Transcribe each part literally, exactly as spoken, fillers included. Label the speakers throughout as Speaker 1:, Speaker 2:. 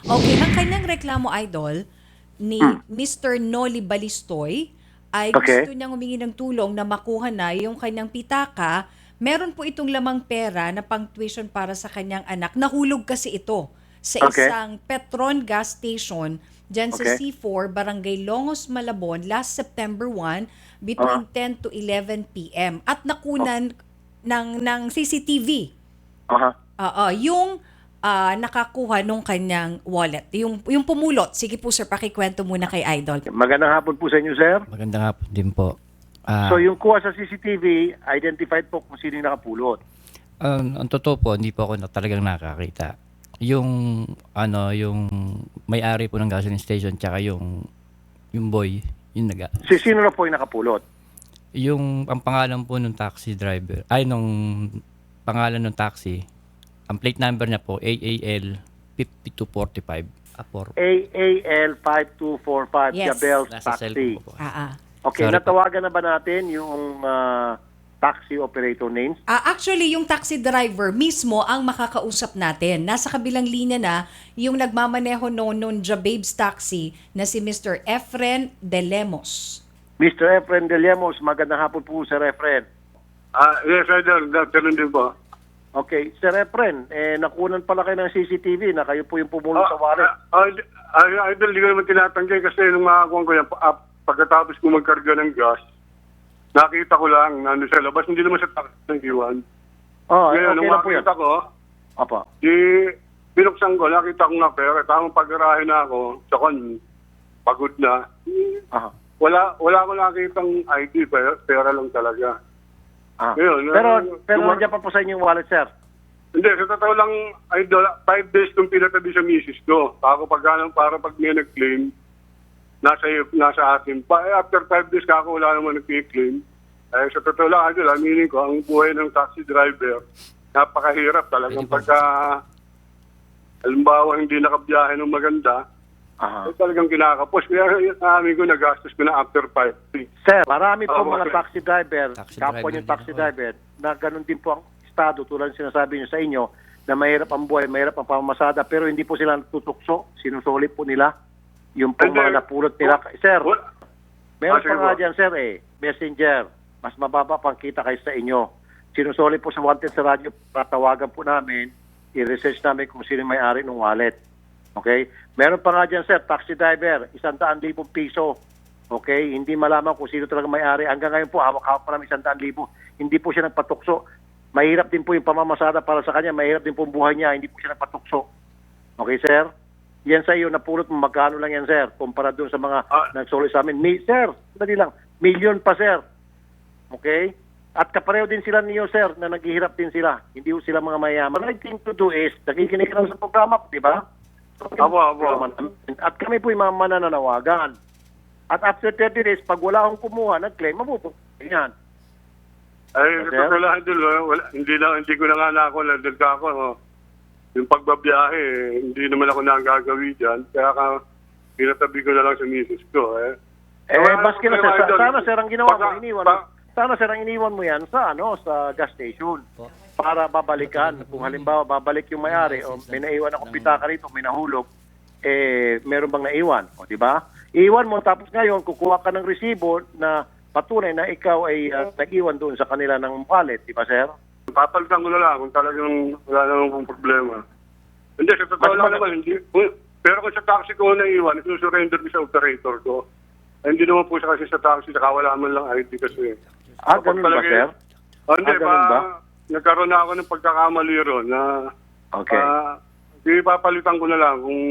Speaker 1: Okay, ang kanyang reklamo, Idol, ni
Speaker 2: Hmm.
Speaker 1: mister Noli Balistoy ay
Speaker 2: Okay.
Speaker 1: gusto niyang humingi ng tulong na makuha na yung kanyang pitaka. Meron po itong lamang pera na pang tuition para sa kanyang anak. Nahulog kasi ito sa
Speaker 2: Okay.
Speaker 1: isang Petron gas station dyan sa
Speaker 2: Okay.
Speaker 1: C four, Barangay Longos, Malabon, last September first between
Speaker 2: Ah.
Speaker 1: ten to eleven p m At nakunan ng, ng C C T V.
Speaker 2: Aha.
Speaker 1: Oo, yung ah, nakakuha nung kanyang wallet. Yung, yung pumulot. Sige po sir, pakikwento muna kay Idol.
Speaker 2: Magandang hapon po sa inyo, sir.
Speaker 3: Magandang hapon din po. Ah,
Speaker 2: So, yung kuha sa C C T V, identified po kung sino yung nakapulot.
Speaker 3: ang, ang totoo po, hindi po ako na, talagang nakakita. Yung, ano, yung may-ari po ng gasoline station, tsaka yung, yung boy, yung naga.
Speaker 2: Si sino na po yung nakapulot?
Speaker 3: Yung, ang pangalan po ng taxi driver, ay, nung pangalan ng taxi, ang plate number niya po, A A L five two four five. Apor.
Speaker 2: A A L five two four five,
Speaker 1: Yes.
Speaker 2: Gabel
Speaker 3: Nasa
Speaker 2: Taxi.
Speaker 3: cellphone ko po.
Speaker 1: Ah, ah.
Speaker 2: Okay,
Speaker 3: Sorry po.
Speaker 2: natawagan na ba natin yung ah, taxi operator names?
Speaker 1: Ah, actually, yung taxi driver mismo ang makakausap natin. Nasa kabilang linya na yung nagmamaneho noon noon Jababes Taxi na si mister Efren De Lemos.
Speaker 2: mister Efren De Lemos, magandang hapon po, Sir Efren.
Speaker 4: Ah, yes, Idol. Ganun din po.
Speaker 2: Okay, Sir Efren, eh, nakunan pala kayo ng C C T V na kayo po yung pumulot sa wallet.
Speaker 4: Ah, ah, ah, Idol, hindi ko naman tinatanggi kasi nung makakuha ko yan, ah, pagkatapos ko magkarga ng gas, nakita ko lang na ano sa labas, hindi naman sa taxi ng iwan.
Speaker 2: Oh,
Speaker 4: Ngayon,
Speaker 2: okay
Speaker 4: nung
Speaker 2: lang po yan.
Speaker 4: makita ko,
Speaker 2: Apa.
Speaker 4: di, binuksan ko, nakita ko nga pera. Tamang pag-arahe na ako, tsaka pagod na.
Speaker 2: Aha.
Speaker 4: Wala, wala ko nakitang I D, pera, pera lang talaga.
Speaker 2: Ah.
Speaker 4: Ngayon,
Speaker 2: pero
Speaker 4: uh,
Speaker 2: pero
Speaker 4: tumar-
Speaker 2: nandiyan pa po sa inyong wallet, sir.
Speaker 4: Hindi, sa totoo lang, Idol, five days kong pinatabi sa misis ko. Ako pag ganun, para pag may nag-claim, nasa, nasa akin pa. Eh, after five days, kako wala naman nag-claim. Eh, sa totoo lang, Idol, aminin ko, ang buhay ng taxi driver, napakahirap talagang pagka, halimbawa, hindi nakabiyahe ng maganda,
Speaker 2: Aha.
Speaker 4: eh, talagang kinakapos. Kaya amin ko, nagastos ko na after five days.
Speaker 2: Sir, marami po
Speaker 4: Oh,
Speaker 2: mga
Speaker 4: okay.
Speaker 2: taxi driver,
Speaker 3: Taxi
Speaker 2: kapwa
Speaker 3: driver
Speaker 2: yung
Speaker 3: din
Speaker 2: taxi
Speaker 3: ako.
Speaker 2: driver, na ganun din po ang estado tulad ng sinasabi niyo sa inyo na mahirap ang buhay, mahirap ang pamamasada, pero hindi po sila natutukso, sinusuli po nila yung pong
Speaker 4: Hindi.
Speaker 2: mga napulot nila. Sir,
Speaker 4: Wala-
Speaker 2: meron
Speaker 4: Ah,
Speaker 2: pa
Speaker 4: sige
Speaker 2: nga
Speaker 4: po.
Speaker 2: dyan, sir, eh, messenger, mas mababa pang kita kayo sa inyo. Sinusuli po sa Wanted sa radyo, tatawagan po namin, i-research namin kung sino may-ari ng wallet. Okay? Meron pa nga dyan, sir, taxi driver, isang daan libong piso. Okay? Hindi malaman kung sino talaga may-ari. Hanggang ngayon po, hawak-hawak pa namin isang daan libo. Hindi po siya nagpatukso. Mahirap din po yung pamamasada para sa kanya. Mahirap din po ang buhay niya. Hindi po siya nagpatukso. Okay, sir? Yan sa iyo, napulot mo, magkano lang yan, sir? Kumpara doon sa mga
Speaker 4: Ah.
Speaker 2: nagsuli sa amin. Mi- sir, dali lang. Million pa, sir. Okay? At kapareho din sila niyo, sir, na naghihirap din sila. Hindi po sila mga mayaman. The right thing to do is, nakikinig ka lang sa programa, di ba?
Speaker 4: Apo, apo.
Speaker 2: At kami po yung mga manananawagan. At after thirty days, pag wala akong kumuha, nag-claim, mabuto. Yan.
Speaker 4: Ay,
Speaker 2: Sir?
Speaker 4: sa totoo lang, Idol, wala, wala, hindi, na, hindi ko na nga na ako, landad ka ako. Oh. Yung pagbabiyahe, eh, hindi naman ako nagagawi dyan. Kaya ka, pinatabi ko na lang sa misis ko. Eh,
Speaker 2: Eh,
Speaker 4: Wala
Speaker 2: baski na,
Speaker 4: akong
Speaker 2: sir.
Speaker 4: problema,
Speaker 2: Sa-
Speaker 4: Idol.
Speaker 2: Sana, sir, ang ginawa mo,
Speaker 4: Baka-
Speaker 2: iniwan mo.
Speaker 4: ba-
Speaker 2: Sana, sir, ang iniwan mo yan sa, ano, sa gas station. Para babalikan. Kung halimbawa, babalik yung may-ari, o may naiwan akong pitaka rito, may nahulog, eh, meron bang naiwan? O, di ba? Iwan mo, tapos ngayon, kukuha ka ng resibo na patunay na ikaw ay uh, nag-iwan doon sa kanila ng wallet, di ba, sir?
Speaker 4: Papalitan ko na lang kung talagang wala naman kong problema. Hindi, sa totoo
Speaker 2: Mas
Speaker 4: lang
Speaker 2: mag-
Speaker 4: naman, hindi. kung- Pero kung sa taxi ko naiwan, isusurrender ko sa operator ko. Eh, hindi naman po siya kasi sa taxi, saka wala man lang I D kasi.
Speaker 2: Ah,
Speaker 4: Kapag
Speaker 2: ganun ba,
Speaker 4: talaga-
Speaker 2: sir?
Speaker 4: Oh, hindi,
Speaker 2: Ah, ganun
Speaker 4: pa,
Speaker 2: ba?
Speaker 4: nagkaroon na ako ng pagkakamali ron na
Speaker 2: Okay.
Speaker 4: ah, ipapalitan ko na lang kung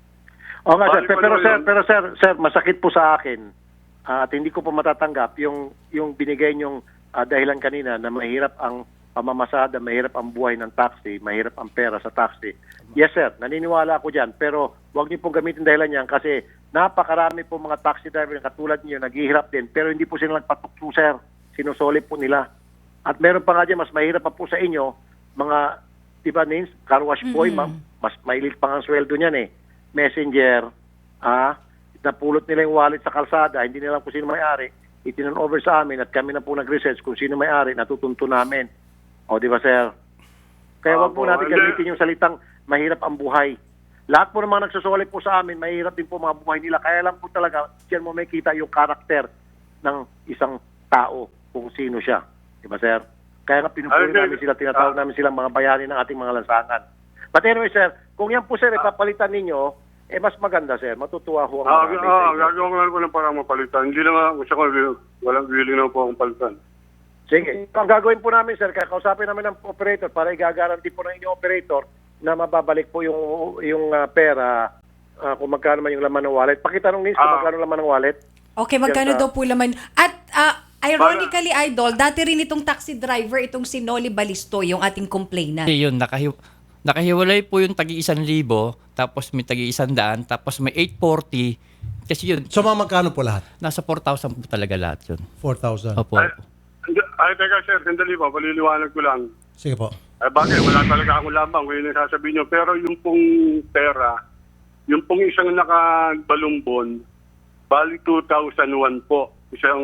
Speaker 2: O nga, sir.
Speaker 4: Balik ko
Speaker 2: Pero,
Speaker 4: naman
Speaker 2: sir,
Speaker 4: yun.
Speaker 2: pero, sir, sir, masakit po sa akin ah, at hindi ko pa matatanggap yung, yung binigay niyong ah, dahilan kanina na mahirap ang pamamasada, mahirap ang buhay ng taxi, mahirap ang pera sa taxi. Yes, sir. Naniniwala ako dyan. Pero huwag niyo pong gamitin dahilan yan kasi napakarami po mga taxi driver na katulad niyo, naghihirap din. Pero hindi po sila nagpatukso, sir. Sinusolip po nila. At meron pa nga dyan, mas mahirap pa po sa inyo, mga, di ba, Nins, car wash boy,
Speaker 1: Mhm.
Speaker 2: ma'am, mas mailit pa nga ang sweldo niyan eh. Messenger, ah, napulot nila yung wallet sa kalsada, hindi nila alam kung sino may-ari, itinan over sa amin at kami na po nag-research kung sino may-ari, natutunto namin. O, di ba, sir? Kaya wag po
Speaker 4: Opo,
Speaker 2: natin
Speaker 4: hindi.
Speaker 2: gamitin yung salitang mahirap ang buhay. Lahat po ng mga nagsusuli po sa amin, mahirap din po mga buhay nila. Kaya lang po talaga, diyan mo may kita yung karakter ng isang tao kung sino siya. Di ba, sir? Kaya nga pinupuri
Speaker 4: Ay,
Speaker 2: namin sila, tinatawag
Speaker 4: ah.
Speaker 2: namin silang mga bayani ng ating mga lansangan. But anyway, sir, kung yan po, sir, ipapalitan ninyo, eh mas maganda, sir. Matutuwa ho ang
Speaker 4: Ah,
Speaker 2: marami
Speaker 4: ah,
Speaker 2: sa inyo.
Speaker 4: gagawin ko lang po ng parang mapalitan. Hindi naman, gusto ko, walang willing na po akong palitan.
Speaker 2: Sige. Ang gagawin po namin, sir, kaya kausapin namin ng operator para igagaranti po ng inyong operator na mababalik po yung yung ah, pera ah, kung magkano man yung laman ng wallet. Pakitanong nins kung
Speaker 4: Ah.
Speaker 2: magkano laman ng wallet.
Speaker 1: Okay, magkano
Speaker 2: Yes,
Speaker 1: daw po laman? At ah, ironically,
Speaker 4: Para-
Speaker 1: Idol, dati rin itong taxi driver, itong si Noli Balisto, yung ating complainant.
Speaker 3: Kasi yun, nakahi- nakahiwalay po yung tagi isang libo, tapos may tagi isang daan, tapos may eight forty. Kasi yun,
Speaker 5: So mga magkano po lahat?
Speaker 3: nasa four thousand po talaga lahat yun.
Speaker 5: four thousand.
Speaker 3: Opo.
Speaker 4: Ay, hindi- ay, teka sir, sandali po, paliliwanag ko lang.
Speaker 5: Sige po.
Speaker 4: Ay, bakit? Wala talaga akong lamang, kung yun ang sasabihin nyo. Pero yung pong pera, yung pong isang nakabalumbon, bali two thousand one po. Isang,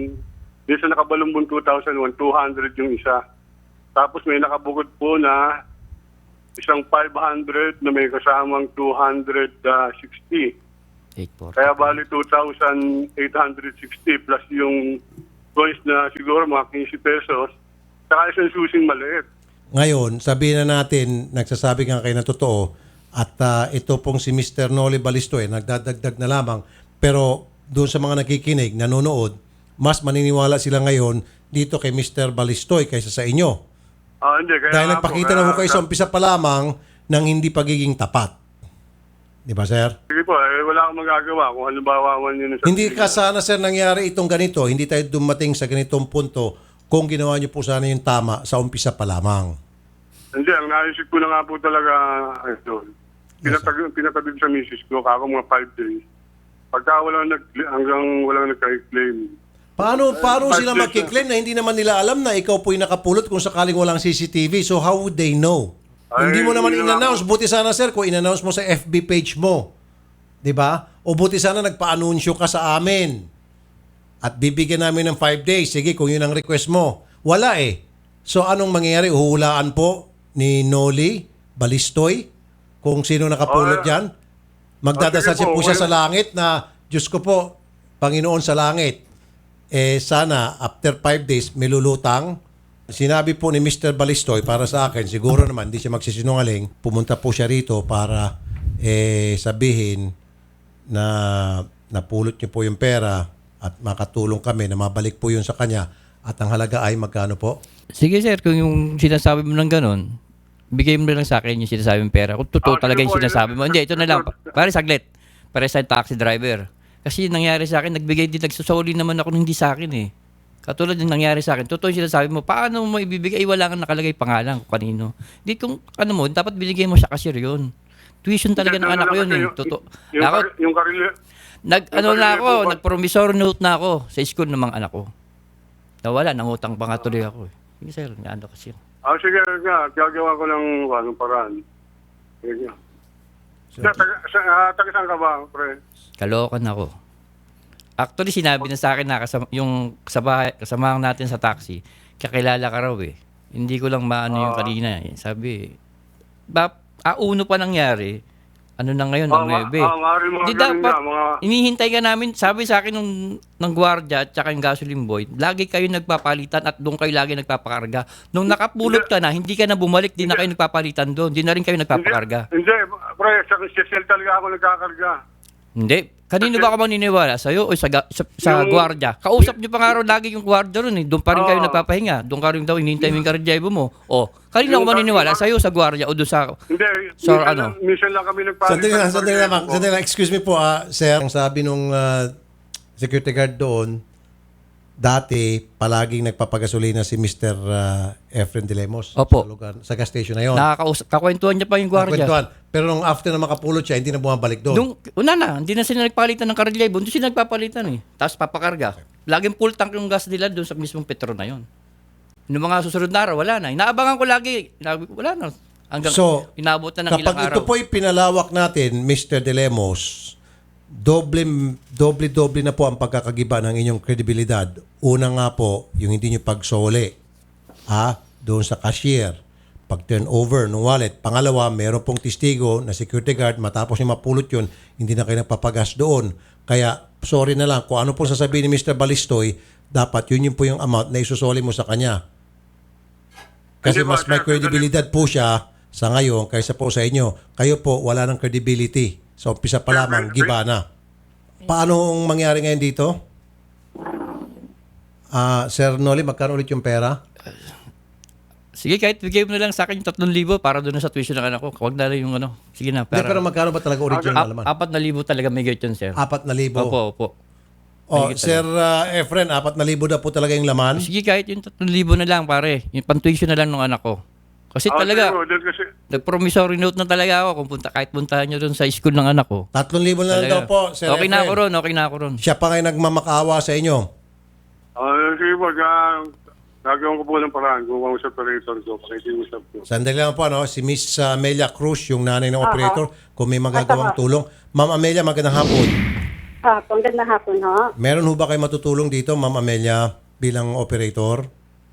Speaker 4: yung sa nakabalumbon two thousand one, two hundred yung isa. Tapos may nakabukod po na isang five hundred na may kasamang two hundred sixty.
Speaker 3: eight forty.
Speaker 4: Kaya bali two thousand eight hundred sixty plus yung coins na siguro mga fifty pesos. Saka isang susing maliit.
Speaker 5: Ngayon, sabihin na natin, nagsasabi nga kayo ng totoo, at ah, ito pong si Mister Noli Balisto eh, nagdadagdag na lamang. Pero doon sa mga nakikinig, nanonood, mas maniniwala sila ngayon dito kay Mister Balistoy kaysa sa inyo.
Speaker 4: Ah, hindi. Kaya
Speaker 5: Dahil
Speaker 4: nga po,
Speaker 5: nagpakita
Speaker 4: kaya-
Speaker 5: na ho kayo sa umpisa pa lamang ng hindi pagiging tapat. Di ba, sir?
Speaker 4: Sige po, eh, wala akong magagawa kung halimbawa man yun. sa-
Speaker 5: Hindi ka sana, sir, nangyari itong ganito. Hindi tayo dumating sa ganitong punto kung ginawa niyo po sana yung tama sa umpisa pa lamang.
Speaker 4: Hindi, ang naisip ko na nga po talaga, ito, pinatag, pinatagin sa misis ko, kako mga five days. Pagka walang nag, hanggang walang nagka-claim.
Speaker 5: Paano, paano
Speaker 4: Five
Speaker 5: sila
Speaker 4: days
Speaker 5: magkiklaim na hindi naman nila alam na ikaw po'y nakapulot kung sakaling walang C C T V? So how would they know?
Speaker 4: Ay,
Speaker 5: hindi mo naman
Speaker 4: hindi naman
Speaker 5: in-announce. Buti sana, sir, kung in-announce mo sa F B page mo. Di ba? O buti sana nagpa-anunsyo ka sa amin. At bibigyan namin ng five days. Sige, kung yun ang request mo. Wala eh. So anong mangyayari? Uhulaan po ni Noli Balistoy kung sino nakapulot
Speaker 4: Oh,
Speaker 5: dyan? Magdadasal
Speaker 4: oh, sige
Speaker 5: siya
Speaker 4: po,
Speaker 5: po siya
Speaker 4: well-
Speaker 5: sa langit na, Diyos ko po, Panginoon sa langit, eh sana after five days may lulutang. Sinabi po ni Mister Balistoy para sa akin, siguro naman hindi siya magsisinungaling, pumunta po siya rito para eh, sabihin na napulot niyo po yung pera at makatulong kami na mabalik po yun sa kanya at ang halaga ay magkano po?
Speaker 3: Sige sir, kung yung sinasabi mo ng ganun, bigay mo na lang sa akin yung sinasabi mong pera. Kung totoo
Speaker 4: Ah,
Speaker 3: talaga
Speaker 4: sige
Speaker 3: yung
Speaker 4: po,
Speaker 3: sinasabi mo.
Speaker 4: yun.
Speaker 3: Hindi, ito na lang. Pare, saglit. Pare sa taxi driver. Kasi yung nangyari sa akin, nagbigay din, nagsusoli naman ako ng hindi sa akin eh. Katulad yung nangyari sa akin, totoo yung sinasabi mo, paano mo ibibigay? Ay, wala kang nakalagay pangalan kung kanino. Di kung, ano mo, dapat binigay mo siya kasi yun. Tuition talaga ng anak ko yun eh. Totoo.
Speaker 4: Yung,
Speaker 3: Ako,
Speaker 4: kar- yung karili,
Speaker 3: nag,
Speaker 4: yung
Speaker 3: ano na
Speaker 4: karili
Speaker 3: ako,
Speaker 4: po ba-
Speaker 3: nag-promissory note na ako sa school ng mga anak ko. Nawala, nangutang pa nga tuloy ako eh. Sige sir, ano kasi yun.
Speaker 4: ah, sige nga, gagawa ko ng anong paraan. Sige. Sa, taga, sa, ah, taga saan ka ba, pre?
Speaker 3: Kalokan ako. Actually, sinabi na sa akin na kasama, yung kasama, kasamahan natin sa taxi, kakilala ka raw eh. Hindi ko lang maano yung
Speaker 4: Ah.
Speaker 3: kanina eh. Sabi, ba, ah, uno pa nangyari, ano na ngayon,
Speaker 4: Ah,
Speaker 3: ang
Speaker 4: ma-
Speaker 3: nuebe.
Speaker 4: ah, maaari mga
Speaker 3: Di
Speaker 4: ganun
Speaker 3: dapat,
Speaker 4: nga, mga-
Speaker 3: inihintay ka namin, sabi sa akin nung, ng gwardiya at saka yung gasoline boy, lagi kayo nagpapalitan at doon kayo lagi nagpapakarga. Nung nakapulot ka na, hindi ka na bumalik, di na kayo nagpapalitan doon, di na rin kayo nagpapakarga.
Speaker 4: Hindi, hindi, pre, sa sisel talaga ako nagkakarga.
Speaker 3: Hindi. Kanino ba ako maniniwala? Sa'yo o sa, ga- sa, sa
Speaker 4: Yung-
Speaker 3: gwardiya? Kausap niyo pa nga raw lagi yung gwardiya ron eh. Doon pa rin kayo
Speaker 4: Oo.
Speaker 3: nagpapahinga. Doon ka rin daw, hinihintay mo yung kardyebo mo. O, kanino ako
Speaker 4: Yung-
Speaker 3: maniniwala? Sa'yo sa gwardiya o doon sa...
Speaker 4: Hindi,
Speaker 3: So,
Speaker 4: minsan,
Speaker 3: ano?
Speaker 4: lang, minsan lang kami nagpalitan.
Speaker 5: Sandali lang, sandali lang,
Speaker 4: Pag-
Speaker 5: sandali lang. Excuse me po, ah, sir. Ang sabi nung ah, security guard doon, dati palaging nagpapagasolina si Mister uh, Efren De Lemos
Speaker 3: Opo.
Speaker 5: sa lugar, sa gas station na yon.
Speaker 3: Nakakausap, kakwentuhan niya pa yung gwardiya.
Speaker 5: Nakwentuhan. Pero nung after na makapulot siya, hindi na bumabalik doon.
Speaker 3: Doon, una na, hindi na sila nagpalitan ng kardyebo. Doon sila nagpapalitan eh. Tapos papakarga. Laging full tank yung gas nila doon sa mismong petro na yon. Noong mga susunod na araw, wala na. Inaabangan ko lagi. Inaab- Wala na. Hanggang
Speaker 5: So,
Speaker 3: inabot na ng ilang
Speaker 5: Kapag
Speaker 3: araw.
Speaker 5: ito po'y pinalawak natin, Mister De Lemos, doble, doble, doble na po ang pagkakagiba ng inyong kredibilidad. Una nga po, yung hindi nyo pagsole, ha, doon sa cashier. pag turn over ng wallet. Pangalawa, meron pong testigo na security guard, matapos niya mapulot yun, hindi na kayo nagpapagas doon. Kaya, sorry na lang, kung ano pong sasabihin ni Mister Balistoy, dapat yun yung po yung amount na isusoli mo sa kanya. Kasi
Speaker 4: Hindi ba,
Speaker 5: mas may
Speaker 4: sir,
Speaker 5: credibility po siya sa ngayon kaysa po sa inyo. Kayo po, wala ng credibility. Sa umpisa pa lamang, giba na. Paano ang mangyari ngayon dito? Ah, Sir Noli, magkano ulit yung pera?
Speaker 3: Sige, kahit bigay mo na lang sa akin yung tatlong libo para doon sa tuition ng anak ko. Huwag na lang yung ano. Sige na.
Speaker 5: Hindi,
Speaker 3: Para,
Speaker 5: pero magkano ba talaga original
Speaker 3: Ap-
Speaker 5: naman?
Speaker 3: apat na libo talaga may gate yun, sir.
Speaker 5: Apat na libo.
Speaker 3: Opo, opo.
Speaker 5: O,
Speaker 3: Mahigit
Speaker 5: Sir uh, Efren, apat na libo na po talaga yung laman.
Speaker 3: Sige, kahit yung tatlong libo na lang, pare. Yung pantuition na lang ng anak ko. Kasi
Speaker 4: Ah,
Speaker 3: talaga,
Speaker 4: sir, dahil kasi,
Speaker 3: nag-promissory note na talaga ako kung punta, kahit puntahan nyo doon sa school ng anak ko.
Speaker 5: Tatlong libo na lang daw
Speaker 3: Talaga.
Speaker 5: po, Sir
Speaker 3: Okay na
Speaker 5: Efren.
Speaker 3: ako ron, okay na ako ron.
Speaker 5: Siya pa ngayon nagmamakaawa sa inyo.
Speaker 4: ah, sige po, ga- gagawin ko po ng paraan kung ang sa operator ko, pakikiusap ko.
Speaker 5: Sandali lang po, ano, si Miss uh, Amelia Cruz, yung nanay ng operator, kung may magagawang tulong. Ma'am Amelia, magandang hapon.
Speaker 6: Ah, magandang hapon, ho.
Speaker 5: Meron ho ba kayo matutulong dito, Ma'am Amelia, bilang operator?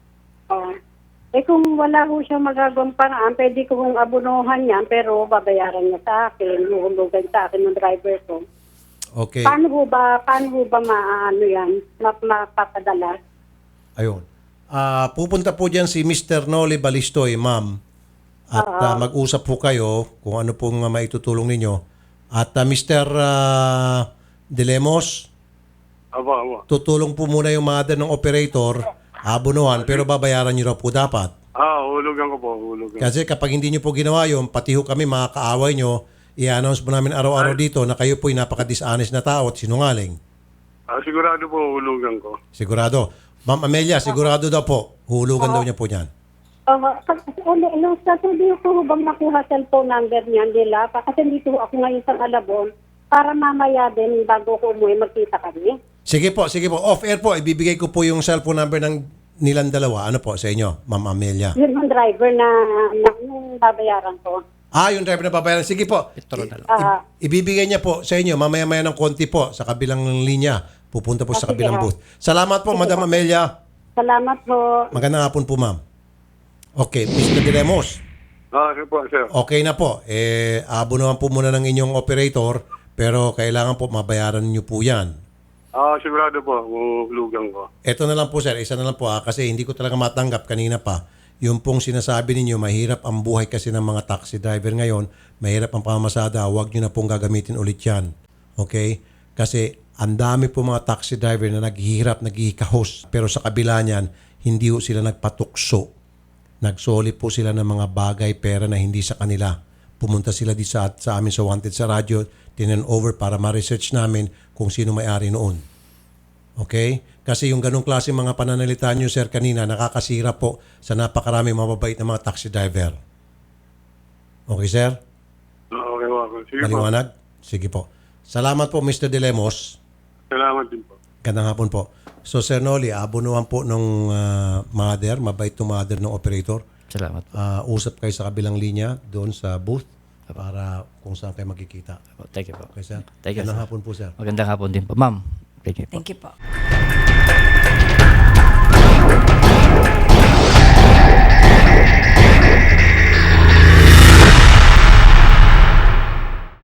Speaker 6: Oh. Eh kung wala ho siyang magagawang paraan, pwede ko hong abunuhan yan, pero babayaran niya sa akin, huhulugan sa akin ng driver ko.
Speaker 5: Okay.
Speaker 6: Paano ho ba, paano ho ba maano yan, map mapapadala?
Speaker 5: Ayun. Ah, pupunta po diyan si Mister Noli Balistoy, ma'am. At ah, mag-usap po kayo kung ano pong uh, maitutulong ninyo. At ah, Mister ah, De Lemos,
Speaker 4: Aba, aba.
Speaker 5: tutulong po muna yung mother ng operator, abunuhan, pero babayaran niyo raw po dapat.
Speaker 4: Ah, hulugan ko po, hulugan.
Speaker 5: Kasi kapag hindi niyo po ginawa yun, pati ho kami mga kaaway niyo, i-announce po namin araw-araw dito na kayo po'y napaka-dishonest na tao at sinungaling.
Speaker 4: Ah, sigurado po, hulugan ko.
Speaker 5: Sigurado. Ma'am Amelia, sigurado daw po. Hulugan daw niya po niyan.
Speaker 6: Oh, uli, no, sa tuloy ko ho bang makuha cellphone number niyan nila? Kasi dito ako ngayon sa Malabon, para mamaya din, bago ko umuwi, magkita kami.
Speaker 5: Sige po, sige po. Off-air po, ibibigay ko po yung cellphone number ng nilang dalawa. Ano po sa inyo, Ma'am Amelia?
Speaker 6: Yun ang driver na, na yung babayaran ko.
Speaker 5: Ah, yung driver na babayaran. Sige po.
Speaker 3: Ito na lang.
Speaker 6: Ah,
Speaker 5: I- ibibigay niya po sa inyo, mamaya-maya ng konti po, sa kabilang linya. Pupunta po sa
Speaker 6: Ah, sige,
Speaker 5: kabilang
Speaker 6: ha.
Speaker 5: booth. Salamat po, Madam Amelia.
Speaker 6: salamat po.
Speaker 5: Magandang hapon po, ma'am. Okay, Mister De Lemos.
Speaker 4: Ah, sige po, sir.
Speaker 5: Okay na po. Eh, abunuhan po muna ng inyong operator, pero kailangan po mabayaran niyo po yan.
Speaker 4: Ah, sigurado po, hulugan ko.
Speaker 5: Ito na lang po, sir. Isa na lang po, ah, kasi hindi ko talaga matanggap kanina pa. Yung pong sinasabi ninyo, mahirap ang buhay kasi ng mga taxi driver ngayon, mahirap ang pamamasada, huwag nyo na pong gagamitin ulit yan. Okay? Kasi ang dami po mga taxi driver na naghihirap, naghihikahos, pero sa kabila niyan, hindi po sila nagpatukso. Nagsoli po sila ng mga bagay, pera na hindi sa kanila. Pumunta sila di sa, sa amin sa Wanted sa radyo, tinan over para ma-research namin kung sino may-ari noon. Okay? Kasi yung ganong klase mga pananalita nyo, sir, kanina, nakakasira po sa napakarami mababait na mga taxi driver. Okay, sir?
Speaker 4: Ah, okay po. Sige po.
Speaker 5: Maliwanag? Sige po. Salamat po, Mister De Lemos.
Speaker 4: Salamat din po.
Speaker 5: Gandang hapon po. So, Sir Noli, abunuhan po nung uh, mother, mabait to mother ng operator.
Speaker 3: Salamat po.
Speaker 5: Uh, usap kayo sa kabilang linya doon sa booth para kung saan kayo magkikita.
Speaker 3: Thank you po.
Speaker 5: Okay, sir?
Speaker 3: Thank you,
Speaker 5: Gandang
Speaker 3: sir.
Speaker 5: hapon po, sir.
Speaker 3: Magandang hapon din po. Ma'am, thank you po.
Speaker 1: Thank you po.